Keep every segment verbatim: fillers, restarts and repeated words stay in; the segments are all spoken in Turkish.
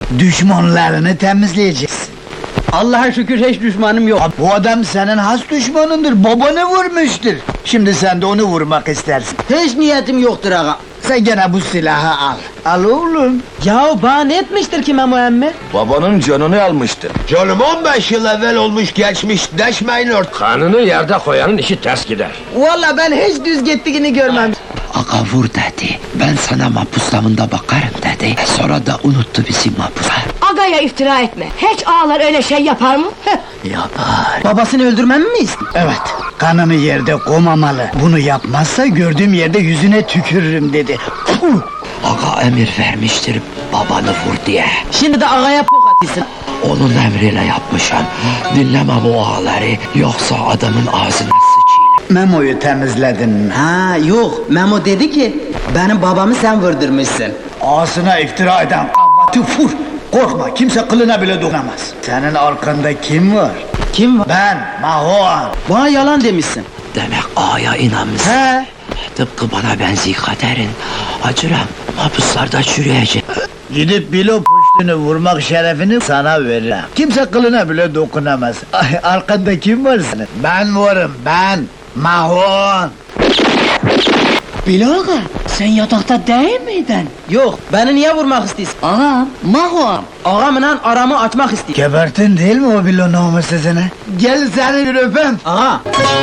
Düşmanlarını temizleyeceksin. Allah'a şükür hiç düşmanım yok. Bu adam senin has düşmanındır, babanı vurmuştur. Şimdi sen de onu vurmak istersin. Hiç niyetim yoktur ağa. Sen gene bu silahı al. Al oğlum. Ya bana ne etmiştir ki Memo emmi? Babanın canını almıştı. Canım on beş yıl evvel olmuş geçmiş, deşmeyin ort. Kanını yerde koyanın işi ters gider. Vallahi ben hiç düz gittiğini görmem. Aga vur dedi. Ben sana mahpus damında bakarım dedi. Sonra da unuttu bizi mahpusa. Agaya iftira etme. Hiç ağalar öyle şey yapar mı? Yapar. Babasını öldürmem mi istiyor? Evet, kanını yerde koymamalı. Bunu yapmazsa gördüğüm yerde yüzüne tükürürüm dedi. Puh! Aga emir vermiştir babanı vur diye. Şimdi de ağaya pok atıyorsun. Onun emriyle yapmışım. Dinleme bu ağaları. Yoksa adamın ağzına sıçayım. Memo'yu temizledin mi? Ha yok, Memo dedi ki benim babamı sen vurdurmuşsun. Ağzına iftira eden kavvatı vur! Korkma, kimse kılına bile dokunamaz. Senin arkanda kim var? Kim var? Ben, Mahoan. Bana yalan demişsin. Demek ağaya inanmışsın. He? Tıpkı bana benzi kaderin. Acıram mahpuslarda çürüyecek. Gidip bilo puştunu vurmak şerefini sana veririm. Kimse kılına bile dokunamaz. Ay, arkanda kim var senin? Ben varım, ben! Mahoan! Bilaga, sen yatakta değil miydin? Yok, beni niye vurmak istiyorsun? Ağam, Mahoam. Ağamla aramı açmak istiyor. Gebertin değil mi o bilo namussuzunu? Gel seni bir öpem! Ağa!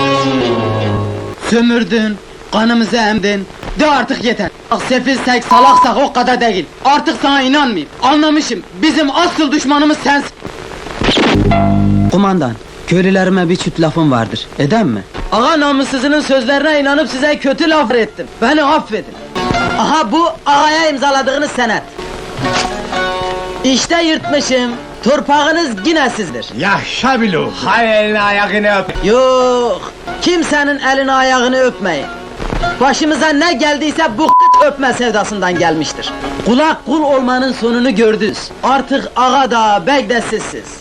Sömürdün, kanımızı emdin. De artık yeter. Bak sefilsek, salaksak o kadar değil. Artık sana inanmayayım. Anlamışım, bizim asıl düşmanımız sensin. Kumandan, köylülerime bir çift lafım vardır. Eden mi? Ağa namussuzunun sözlerine inanıp size kötü laf ettim. Beni affedin. Aha bu ağaya imzaladığınız senet. İşte yırtmışım. Torpağınız yine sizdir. Yaşa bilo! Hay elini ayağını öp. Yok, kimsenin elini ayağını öpmeyin. Başımıza ne geldiyse bu kıt öpme sevdasından gelmiştir. Kulak kul olmanın sonunu gördünüz. Artık ağa da bey de sizsiz.